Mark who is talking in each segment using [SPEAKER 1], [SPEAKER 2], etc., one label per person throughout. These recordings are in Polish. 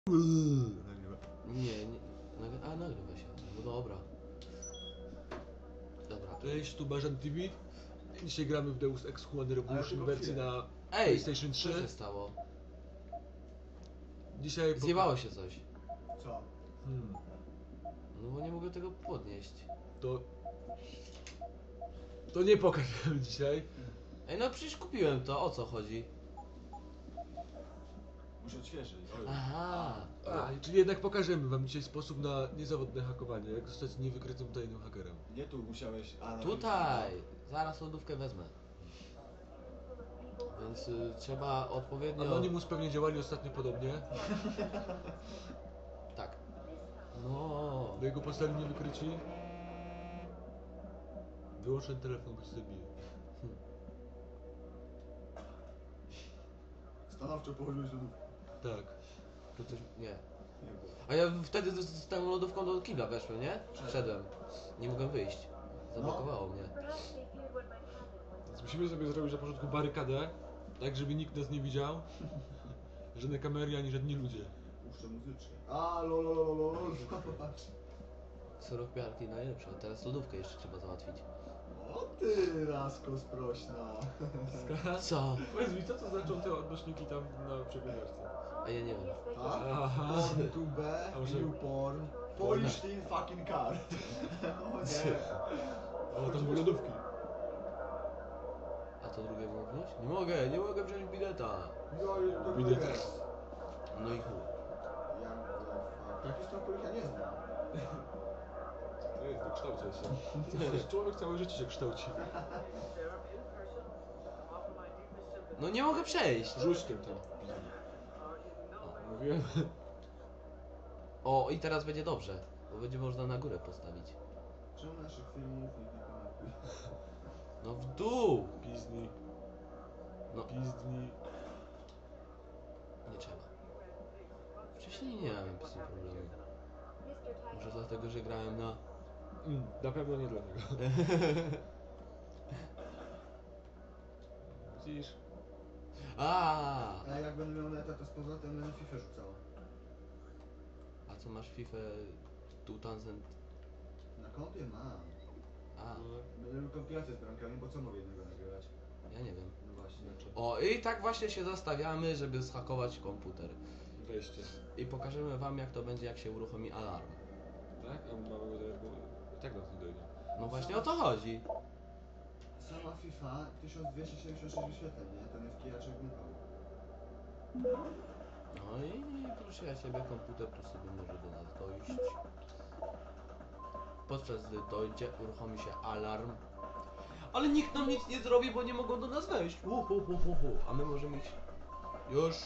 [SPEAKER 1] Nagrywa.
[SPEAKER 2] Nagrywa się. No dobra. Dobra.
[SPEAKER 1] Cześć, tu Barzan TV. Dzisiaj gramy w Deus Ex Human Revolution wersji na PlayStation
[SPEAKER 2] Co
[SPEAKER 1] 3.
[SPEAKER 2] się stało?
[SPEAKER 1] Dzisiaj
[SPEAKER 2] Zjebało się coś.
[SPEAKER 3] Co?
[SPEAKER 2] No bo nie mogę tego podnieść.
[SPEAKER 1] To nie pokażemy dzisiaj.
[SPEAKER 2] Ej, no przecież kupiłem to, o co chodzi?
[SPEAKER 3] Muszę odświeżyć.
[SPEAKER 2] Aha.
[SPEAKER 1] Czyli jednak pokażemy wam dzisiaj sposób na niezawodne hakowanie. Jak zostać niewykrytym tajnym hakerem.
[SPEAKER 3] Nie tu musiałeś. A,
[SPEAKER 2] Tutaj! Zaraz lodówkę wezmę. Więc trzeba odpowiednio...
[SPEAKER 1] Anonymous pewnie działali ostatnio podobnie.
[SPEAKER 2] Tak. No.
[SPEAKER 1] Do jego postali niewykryci. Wyłącz ten telefon, bo się zabije.
[SPEAKER 3] Stanowczo położyłeś lodówkę.
[SPEAKER 1] Tak.
[SPEAKER 2] To coś... Nie.
[SPEAKER 3] Nie było.
[SPEAKER 2] A ja wtedy z tą lodówką do kibla weszłem, nie? Wszedłem. Nie mogłem wyjść. Zablokowało mnie.
[SPEAKER 1] Więc musimy sobie zrobić na początku barykadę, tak żeby nikt nas nie widział. Żadne kamery ani żadni ludzie.
[SPEAKER 3] Puszczę muzyczkę. A, lol, zobacz.
[SPEAKER 2] Suropiarki najlepsze. Teraz lodówkę jeszcze trzeba załatwić.
[SPEAKER 3] O ty, Rasko sprośna.
[SPEAKER 2] Co?
[SPEAKER 1] Powiedz mi, co to znaczą te odnośniki tam na przeglądarce?
[SPEAKER 2] A ja nie wiem.
[SPEAKER 3] Tak?
[SPEAKER 1] Aha.
[SPEAKER 3] Porn to B,
[SPEAKER 1] A może-
[SPEAKER 3] new porn. Polish teen fucking car. O nie.
[SPEAKER 1] O, tam były lodówki.
[SPEAKER 2] A to drugie mogę wziąć? Nie mogę wziąć bileta.
[SPEAKER 1] Bilet.
[SPEAKER 2] No i chuj.
[SPEAKER 3] Jak the fuck? Takich stron, których ja nie znam.
[SPEAKER 1] To jest, dokształcaj się. Przecież człowiek całe życie się kształci.
[SPEAKER 2] No nie mogę przejść.
[SPEAKER 1] Rzuć tym tam. Mówiłem.
[SPEAKER 2] O, i teraz będzie dobrze. Bo będzie można na górę postawić.
[SPEAKER 3] Czemu naszych filmów nikt nie komentuje?
[SPEAKER 2] No w dół.
[SPEAKER 1] Pizdni.
[SPEAKER 2] No,
[SPEAKER 1] Pizdni.
[SPEAKER 2] nie trzeba. Wcześniej nie miałem z tym problemu. Może dlatego, że grałem na...
[SPEAKER 1] Na pewno nie dlatego. Widzisz?
[SPEAKER 2] A
[SPEAKER 3] Jak będę miał neta, to z powrotem będę FIFA rzucał.
[SPEAKER 2] A co masz FIFA 2000...
[SPEAKER 3] Na kompie mam.
[SPEAKER 2] A,
[SPEAKER 3] Będę robił kompilację z bramkami, bo co mogę jednego nagrywać?
[SPEAKER 2] ja nie wiem.
[SPEAKER 3] No właśnie.
[SPEAKER 2] O, i tak właśnie się zastawiamy, żeby zhakować komputer.
[SPEAKER 1] Wejście.
[SPEAKER 2] I pokażemy wam, jak to będzie, jak się uruchomi alarm.
[SPEAKER 1] Tak? A mamy tak nas nie dojdzie.
[SPEAKER 2] No właśnie o to chodzi.
[SPEAKER 3] Sama FIFA 1276 wyświetleń, nie? Ten FKR gniwał.
[SPEAKER 2] No i proszę ja ciebie, komputer tu sobie może do nas dojść. Podczas gdy dojdzie, uruchomi się alarm. Ale nikt nam nic nie zrobi, bo nie mogą do nas wejść. A my możemy iść. Już.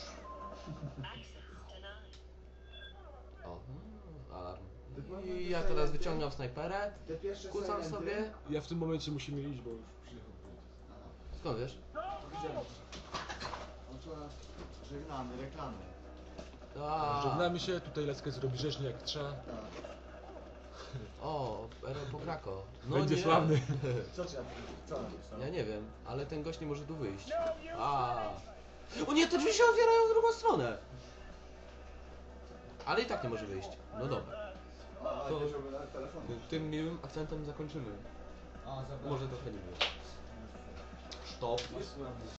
[SPEAKER 2] O, alarm. I ja teraz wyciągam snajperę,
[SPEAKER 3] Te pierwsze
[SPEAKER 2] kucam
[SPEAKER 3] Silenty-
[SPEAKER 2] sobie.
[SPEAKER 1] Ja w tym momencie musimy iść, bo już przyjechał.
[SPEAKER 3] Aha,
[SPEAKER 2] Skąd wiesz?
[SPEAKER 3] widziałem. Otóż żegnamy, reklamy.
[SPEAKER 1] Żegnamy się, tutaj Leckę zrobi rzeźnie jak trzeba.
[SPEAKER 3] Tak.
[SPEAKER 2] O, Pokrako. No
[SPEAKER 1] Będzie
[SPEAKER 2] nie.
[SPEAKER 1] sławny.
[SPEAKER 3] Co trzeba? Co napisał?
[SPEAKER 2] Ja nie wiem, ale ten gość nie może tu wyjść. O nie, te drzwi się otwierają w drugą stronę. Ale i tak nie może wyjść. No dobra.
[SPEAKER 3] A,
[SPEAKER 2] To-
[SPEAKER 3] to... żeby na telefon.
[SPEAKER 2] Tym miłym akcentem zakończymy.
[SPEAKER 3] A, zabrałem.
[SPEAKER 2] Może trochę nie było. Stop.
[SPEAKER 3] Jest sławny.